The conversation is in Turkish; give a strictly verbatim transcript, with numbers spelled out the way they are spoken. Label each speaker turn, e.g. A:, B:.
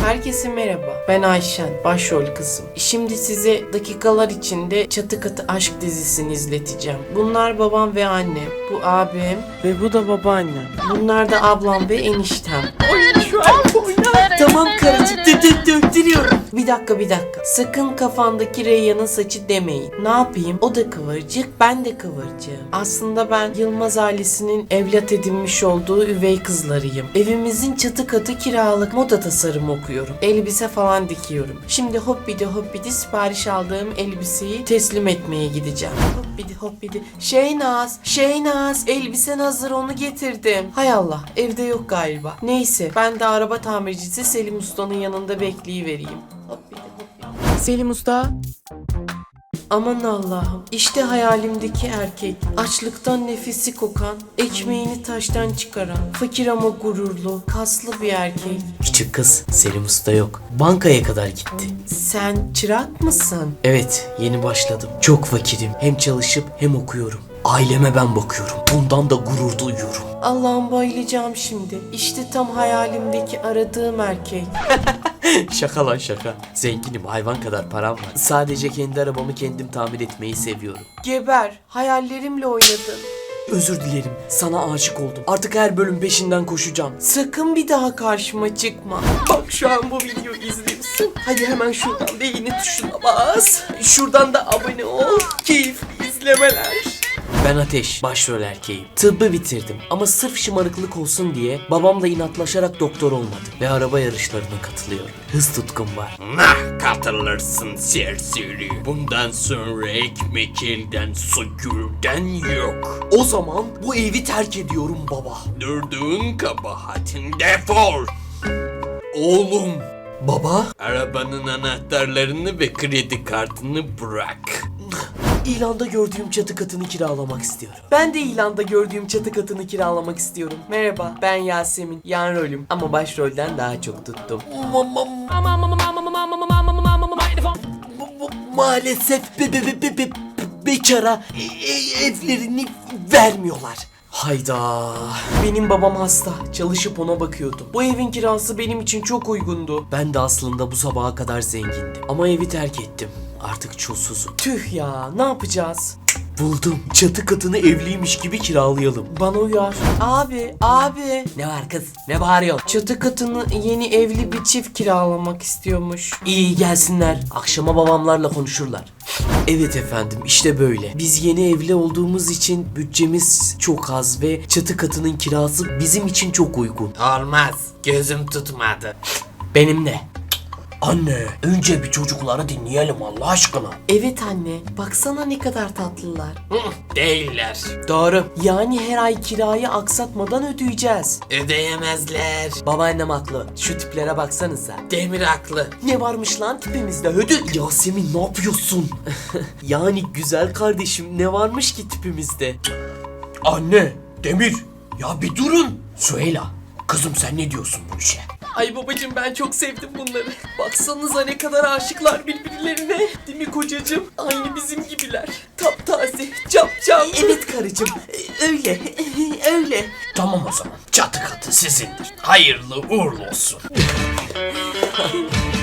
A: Herkese merhaba. Ben Ayşen, başrol kızım. Şimdi size dakikalar içinde Çatı Katı Aşk dizisini izleteceğim. Bunlar babam ve annem, bu abim ve bu da babaannem. Bunlar da ablam ve eniştem. Oyun şu an oynar. Tamam karıcığım, döktürüyorum. Bir dakika bir dakika. Sakın kafandaki Reyhan'ın saçı demeyin. Ne yapayım? O da kıvırcık, ben de kıvırcığım. Aslında ben Yılmaz ailesinin evlat edinmiş olduğu üvey kızlarıyım. Evimizin çatı katı kiralık, moda tasarımı okuyorum. Elbise falan dikiyorum. Şimdi hoppidi hoppidi sipariş aldığım elbiseyi teslim etmeye gideceğim. Hoppidi hoppidi. Şeynaz, Şeynaz, elbisen hazır, onu getirdim. Hay Allah, evde yok galiba. Neyse, ben de araba tamircisi Selim Usta'nın yanında bekleyivereyim. Hoppidi hoppidi. Selim Usta. Aman Allah'ım, işte hayalimdeki erkek. Açlıktan nefesi kokan, ekmeğini taştan çıkaran, fakir ama gururlu, kaslı bir erkek.
B: Küçük kız, Selim Usta yok. Bankaya kadar gitti.
A: Sen çırak mısın?
B: Evet, yeni başladım. Çok fakirim. Hem çalışıp hem okuyorum. Aileme ben bakıyorum. Bundan da gurur duyuyorum.
A: Allah'ım, bayılacağım şimdi. İşte tam hayalimdeki aradığım erkek.
B: Şaka lan şaka. Zenginim, hayvan kadar param var. Sadece kendi arabamı kendim tamir etmeyi seviyorum.
A: Geber, hayallerimle oynadın.
B: Özür dilerim, sana aşık oldum. Artık her bölüm peşinden koşacağım.
A: Sakın bir daha karşıma çıkma. Bak şu an bu videoyu izliyorsun. Hadi hemen şuradan beğeni tuşuna bas. Şuradan da abone ol. Keyifli izlemeler.
B: Ben Ateş, başrol erkeğim. Tıbbı bitirdim ama sırf şımarıklık olsun diye babamla inatlaşarak doktor olmadım. Ve araba yarışlarına katılıyorum. Hız tutkum var.
C: Nah, katılırsın serseri. Bundan sonra ekmek elden, su gülden yok.
B: O zaman bu evi terk ediyorum baba.
C: Durduğun kabahatin, defol. Oğlum,
B: Baba?
C: arabanın anahtarlarını ve kredi kartını bırak.
B: İlanda gördüğüm çatı katını kiralamak istiyorum.
A: Ben de ilanda gördüğüm çatı katını kiralamak istiyorum. Merhaba, ben Yasemin. Yan rolüm ama başrolden daha çok tuttum.
B: Bu- bu- Maalesef be, be, be, be, be- bekara e- e- evlerini vermiyorlar. Hayda.
A: Benim babam hasta. Çalışıp ona bakıyordum. Bu evin kirası benim için çok uygundu.
B: Ben de aslında bu sabaha kadar zengindim. Ama evi terk ettim. Artık çulsuzum.
A: Tüh ya, ne yapacağız?
B: Buldum. Çatı katını evliymiş gibi kiralayalım.
A: Bana uyar. Abi, abi.
B: Ne var kız? Ne bağırıyorsun?
A: Çatı katını yeni evli bir çift kiralamak istiyormuş.
B: İyi, gelsinler. Akşama babamlarla konuşurlar. Evet efendim, işte böyle. Biz yeni evli olduğumuz için bütçemiz çok az ve çatı katının kirası bizim için çok uygun.
C: Olmaz, gözüm tutmadı.
B: Benim de. Anne, önce bir çocukları dinleyelim Allah aşkına.
A: Evet anne, baksana ne kadar tatlılar.
C: Hı, değiller.
A: Doğru. Yani her ay kirayı aksatmadan ödeyeceğiz.
C: Ödeyemezler.
B: Babaannem haklı. Şu tiplere baksanıza.
C: Demir haklı.
A: Ne varmış lan tipimizde hödük?
B: Yasemin, ne yapıyorsun? Yani güzel kardeşim, ne varmış ki tipimizde?
C: Anne, Demir, ya bir durun.
B: Süheyla, kızım sen ne diyorsun bu işe?
A: Ay babacığım, ben çok sevdim bunları. Baksanıza ne kadar aşıklar birbirlerine. Değil mi kocacığım? Aynı bizim gibiler. Taptaze, capcanlı. Evet karıcığım, öyle, öyle.
C: Tamam o zaman, çatı katı sizindir. Hayırlı uğurlu olsun.